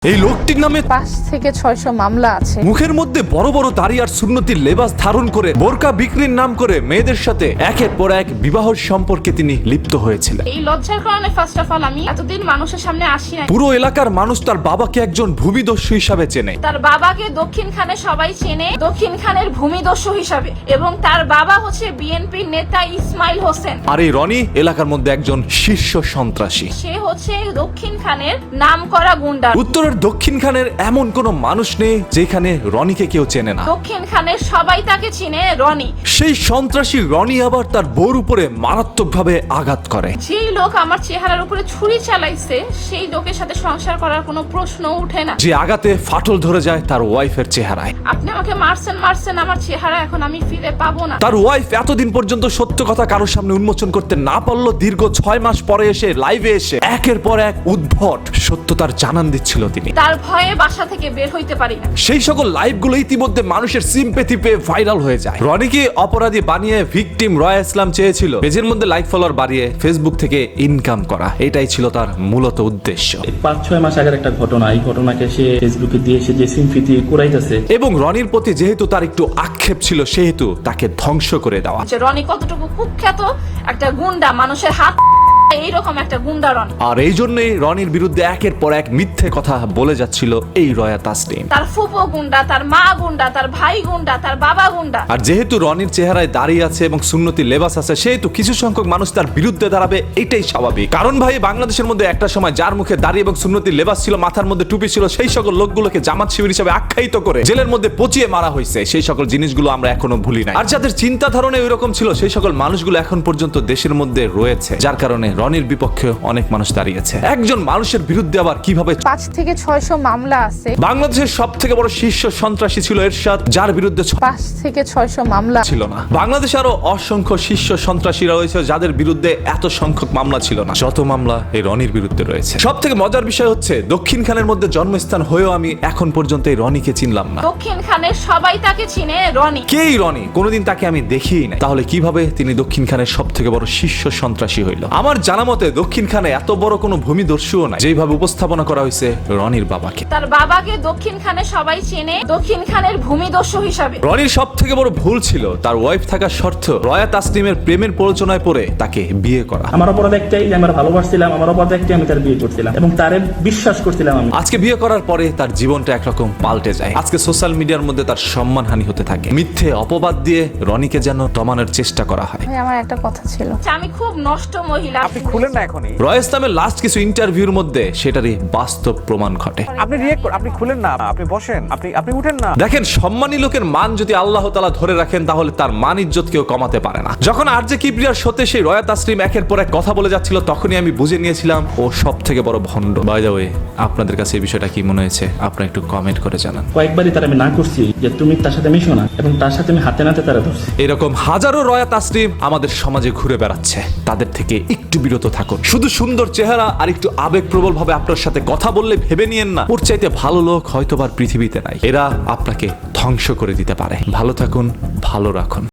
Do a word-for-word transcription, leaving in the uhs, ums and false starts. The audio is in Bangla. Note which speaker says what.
Speaker 1: এই লোকটির নামে
Speaker 2: পাঁচ থেকে ছয়শ মামলা আছে।
Speaker 1: মুখের মধ্যে বড় বড় দাড়ি আর সুন্নতির লেবাস ধারণ করে বোরকা বিক্রির নাম করে মেয়েদের সাথে একের পর এক বিবাহ সম্পর্কে তিনি লিপ্ত হয়েছিলেন।
Speaker 3: এই লজ্জার কারণে ফার্স্ট অফ অল আমি এতদিন মানুষের সামনে আসি না।
Speaker 1: পুরো এলাকার মানুষ তার বাবাকে একজন ভূমিদস্যু হিসাবে চেনে।
Speaker 3: তার বাবাকে দক্ষিণ খানে সবাই চেনে দক্ষিণ খানের ভূমিদস্যু হিসাবে, এবং তার বাবা হচ্ছে বিএনপির নেতা ইসমাইল হোসেন।
Speaker 1: আর এই রনি এলাকার মধ্যে একজন শীর্ষ সন্ত্রাসী।
Speaker 3: সে হচ্ছে দক্ষিণ খানের নামকরা গুন্ডা।
Speaker 1: উত্তরের দক্ষিণ খানের এমন কোন মানুষ নেই যেখানে রনিকে কেউ চেনে না।
Speaker 3: দক্ষিণ খানের সবাই তাকে চিনে রনি।
Speaker 1: সেই সন্ত্রাসী রনি আবার তার বউর উপরে মারাত্মকভাবে আঘাত করে।
Speaker 3: যেই লোক আমার চেহারার উপরে ছুরি চালাইছে সেই লোকের সাথে সংসার করার কোনো প্রশ্ন উঠে না।
Speaker 1: যে আঘাতে ফাটল ধরে যায় তার ওয়াইফের চেহারায়।
Speaker 3: আপনি আমাকে মারছেন মারছেন আমার চেহারা এখন আমি ফিরে পাবো না।
Speaker 1: তার ওয়াইফ এতদিন পর্যন্ত সত্য কথা কারোর সামনে উন্মোচন করতে না পারলো, দীর্ঘ ছয় মাস পরে এসে লাইভে এসে একের পর এক উদ্ভট সত্যতার জানান দিচ্ছিল তিনি।
Speaker 3: তার ভয়ে বাসা থেকে বের হইতে পারি না।
Speaker 1: সেই সকল লাইভগুলো ইতিমধ্যে মানুষের সিম্পেথি পেয়ে ভাইরাল হয়ে যায়। রনিকে অপরাধী বানিয়ে ভিকটিম রয়া ইসলাম চেয়েছিল পেজের মধ্যে লাইক ফলোয়ার বাড়িয়ে ফেসবুক থেকে ইনকাম করা। এটাই ছিল তার মূলত উদ্দেশ্য।
Speaker 4: পাঁচ ছয় মাস আগের একটা ঘটনা, এই ঘটনাকে সে ফেসবুকে দিয়ে সে যে সিম্পেথি কুড়াইতেছে,
Speaker 1: এবং রনির প্রতি যেহেতু তার একটু আক্ষেপ ছিল সেহেতু তাকে ধ্বংস করে দেওয়া।
Speaker 3: যে রনি কতটুকু কুখ্যাত একটা গুন্ডা, মানুষের হাত এইরকম একটা গুন্ডা রনি।
Speaker 1: আর এই জন্যই রনির বিরুদ্ধে একের পর এক মিথ্যে কথা বলে যাচ্ছিল এই রয়া তাসনিম।
Speaker 3: তার ফুপো গুন্ডা, তার মা গুন্ডা, তার ভাই গুন্ডা, তার বাবা গুন্ডা।
Speaker 1: আর যেহেতু রনির চেহারায় দাঁড়িয়ে আছে এবং সুন্নতি লেবাস আছে সেহেতু কিছু সংখ্যক মানুষ তার বিরুদ্ধে দাঁড়াবে, এটাই স্বাভাবিক। কারণ ভাই, বাংলাদেশের মধ্যে একটা সময় যার মুখে দাঁড়িয়ে এবং সুন্নতি লেবাস ছিল, মাথার মধ্যে টুপি ছিল, সেই সকল লোকগুলোকে জামাত শিবির হিসেবে আখ্যায়িত করে জেলের মধ্যে পচিয়ে মারা হয়েছে। সেই সকল জিনিসগুলো আমরা এখনো ভুলি নাই। আর যাদের চিন্তা ধারণা ওইরকম ছিল সেই সকল মানুষগুলো এখন পর্যন্ত দেশের মধ্যে রয়েছে, যার কারণে রনির বিপক্ষে অনেক মানুষ দাঁড়িয়েছে। একজন মানুষের বিরুদ্ধে আবার কিভাবে
Speaker 2: পাঁচ থেকে ছয়শ মামলা আছে।
Speaker 1: বাংলাদেশের সব থেকে বড় শীর্ষ সন্ত্রাসী ছিল এরশাদ, যার বিরুদ্ধে
Speaker 2: পাঁচ থেকে ছয়শ মামলা
Speaker 1: ছিল না। বাংলাদেশে আরো অসংখ্য শীর্ষ সন্ত্রাসীরা রয়েছে যাদের বিরুদ্ধে এত সংখ্যক মামলা ছিল না যত মামলা এই রনির বিরুদ্ধে রয়েছে। সব থেকে মজার বিষয় হচ্ছে দক্ষিণ খানের মধ্যে জন্মস্থান হয়েও আমি এখন পর্যন্ত এই রনিকে চিনলাম না।
Speaker 3: দক্ষিণ খানের সবাই তাকে চিনে রনি।
Speaker 1: কে এই রনি? কোনোদিন তাকে আমি দেখিই নাই। তাহলে কিভাবে তিনি দক্ষিণ খানের সব থেকে বড় শীর্ষ সন্ত্রাসী হইল? আমার জানা মতে দক্ষিণ খানে এত বড় কোনো ভূমিদস্যুও নাই যেভাবে উপস্থাপনা করা হয়েছে রনির বাবাকে।
Speaker 3: তার বাবাকে দক্ষিণ খানে সবাই চেনে দক্ষিণ খানের ভূমিদস্যু হিসাবে।
Speaker 1: রনির সব থেকে বড় ভুল ছিল তার ওয়াইফ থাকা সত্ত্বেও রয়া তাসনিমের প্রেমের প্ররোচনায় পড়ে তাকে বিয়ে করা।
Speaker 4: আমার অপরাধ একটাই যে আমরা ভালোবাসছিলাম, আমার অপরাধ একটাই আমি তার বিয়ে করছিলাম এবং তারে বিশ্বাস করছিলাম আমি।
Speaker 1: আজকে বিয়ে করার পরে তার জীবনটা একরকম পাল্টে যায়। আজকে সোশ্যাল মিডিয়ার মধ্যে তার সম্মানহানি হতে থাকে। মিথ্যে অপবাদ দিয়ে রনিকে যেন দমানোর চেষ্টা করা হয়।
Speaker 2: ভাই, আমার একটা কথা ছিল।
Speaker 3: আমি খুব নষ্ট মহিলা।
Speaker 5: আপনি খুলেন না এখনই।
Speaker 1: রয়া ইসলামের লাস্ট কিছু ইন্টারভিউর মধ্যে সেটারই বাস্তব প্রমাণ ঘটে।
Speaker 5: আপনি রিয়েক্ট করুন, আপনি খুলেন না, আপনি বসেন, আপনি আপনি উঠেন না।
Speaker 1: দেখেন, সম্মানী লোকের মান যদি আল্লাহ তাআলা ধরে রাখেন তাহলে তার মান ইজ্জত কেউ কমাতে পারে না। যখন আরজে কিবরিয়ার শোতে সেই রয়া তাসনিম একের পর এক কথা বলে যাচ্ছিল তখনই আমি বুঝে নিয়েছিলাম ও সব থেকে বড় ভণ্ড। বাই দ্য ওয়ে, আপনাদের কাছে এই বিষয়টা কি মনে হয়েছে আপনারা একটু কমেন্ট করে জানান।
Speaker 4: কয়েকবারই তার আমি না করছি যে তুমি তার সাথে মিশো না, এবং তার সাথে আমি হাতে নাতে তারা ধরছি।
Speaker 1: এরকম হাজারো রয়া তাসনিম আমাদের সমাজে ঘুরে বেড়াচ্ছে। তাদের থেকে একটু বিরত থাকুন। শুধু সুন্দর চেহারা আর একটু আবেগপ্রবল ভাবে আপনার সাথে কথা বললে ভেবে নিয়েন না ওর চাইতে ভালো লোক হয়তোবার পৃথিবীতে নাই। এরা আপনাকে ধ্বংস করে দিতে পারে। ভালো থাকুন, ভালো রাখুন।